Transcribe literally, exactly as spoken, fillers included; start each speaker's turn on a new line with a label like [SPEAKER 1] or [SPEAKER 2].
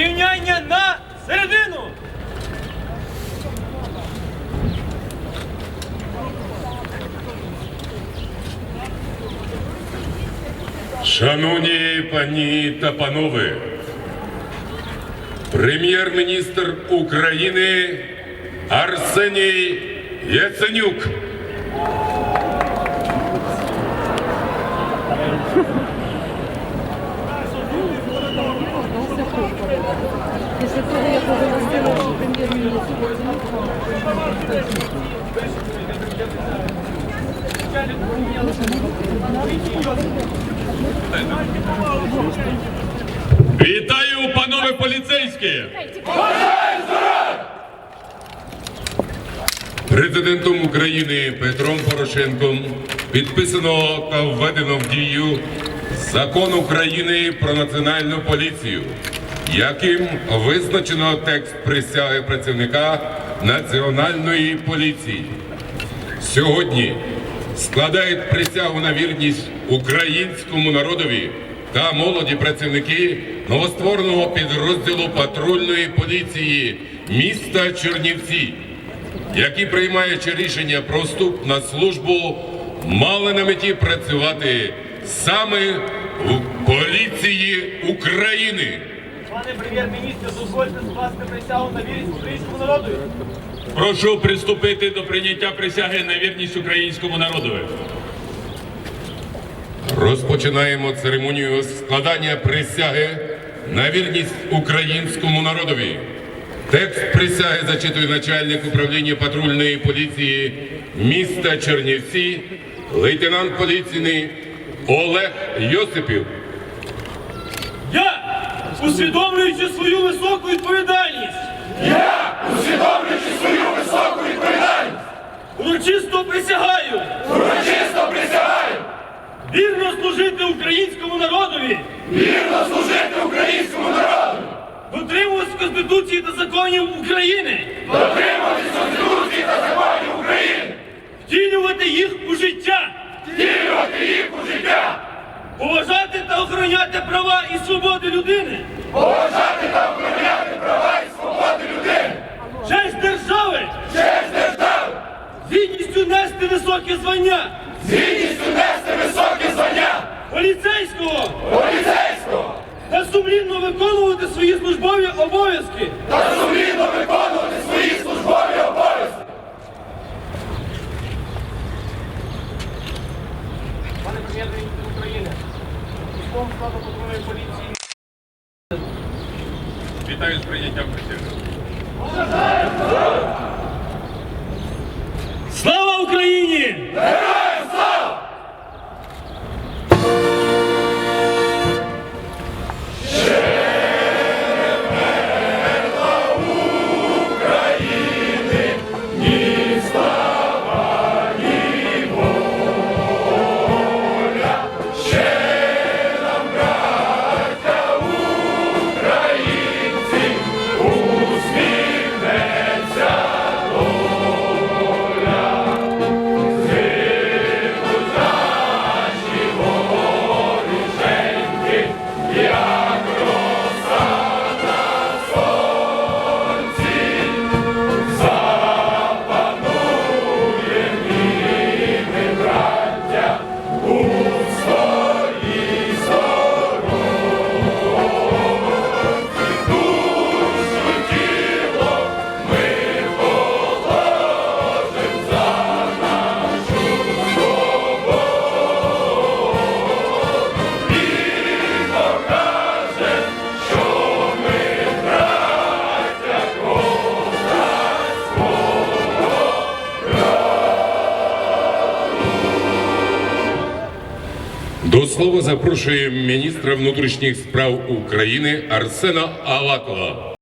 [SPEAKER 1] Рівняння на середину.
[SPEAKER 2] Шановні пані та панове, прем'єр-міністр України Арсеній Яценюк.
[SPEAKER 3] Після того, як оголосила, що прем'єр-міністр
[SPEAKER 2] Вітаю, панове поліцейські! Президентом України Петром Порошенком підписано та введено в дію Закон України про Національну поліцію, яким визначено текст присяги працівника Національної поліції. Сьогодні складають присягу на вірність українському народові та молоді працівники новоствореного підрозділу патрульної поліції міста Чернівці, які, приймаючи рішення про вступ на службу, мали на меті працювати саме в поліції України.
[SPEAKER 1] Пане прем'єр-міністр, дозвольте скласти присягу на вірність українському народу.
[SPEAKER 4] Прошу приступити до прийняття присяги на вірність українському народу.
[SPEAKER 2] Розпочинаємо церемонію складання присяги на вірність українському народові. Текст присяги зачитує начальник управління патрульної поліції міста Чернівці, лейтенант поліції Олег Йосипів.
[SPEAKER 1] Я, усвідомлюючи свою високу відповідальність,
[SPEAKER 5] Я, усвідомлюючи свою високу відповідальність,
[SPEAKER 1] урочисто присягаю
[SPEAKER 5] урочисто присягаю
[SPEAKER 1] вірно служити українському народові,
[SPEAKER 5] вірно служити українському народу,
[SPEAKER 1] дотримуватися Конституції та законів України,
[SPEAKER 5] дотримуватись Конституції та законів України,
[SPEAKER 1] втілювати їх у життя,
[SPEAKER 5] втілювати їх у життя,
[SPEAKER 1] поважати та охороняти права і свободи людини,
[SPEAKER 5] поважати та охороняти права і свободи людини,
[SPEAKER 1] честь держави,
[SPEAKER 5] честь держави,
[SPEAKER 1] з гідністю нести високе звання
[SPEAKER 5] з гідністю нести високі звання
[SPEAKER 1] поліцейського
[SPEAKER 5] поліцейського
[SPEAKER 1] та сумлінно виконувати свої службові обов'язки.
[SPEAKER 5] та сумлінно виконувати свої службові обов'язки.
[SPEAKER 1] Пане прем'єр-міністр України, військовому складу патрульної поліції.
[SPEAKER 4] Вітаю з прийняттям присяги.
[SPEAKER 1] Слава Україні!
[SPEAKER 5] Героям слава!
[SPEAKER 2] До слова запрошуємо міністра внутрішніх справ України Арсена Авакова.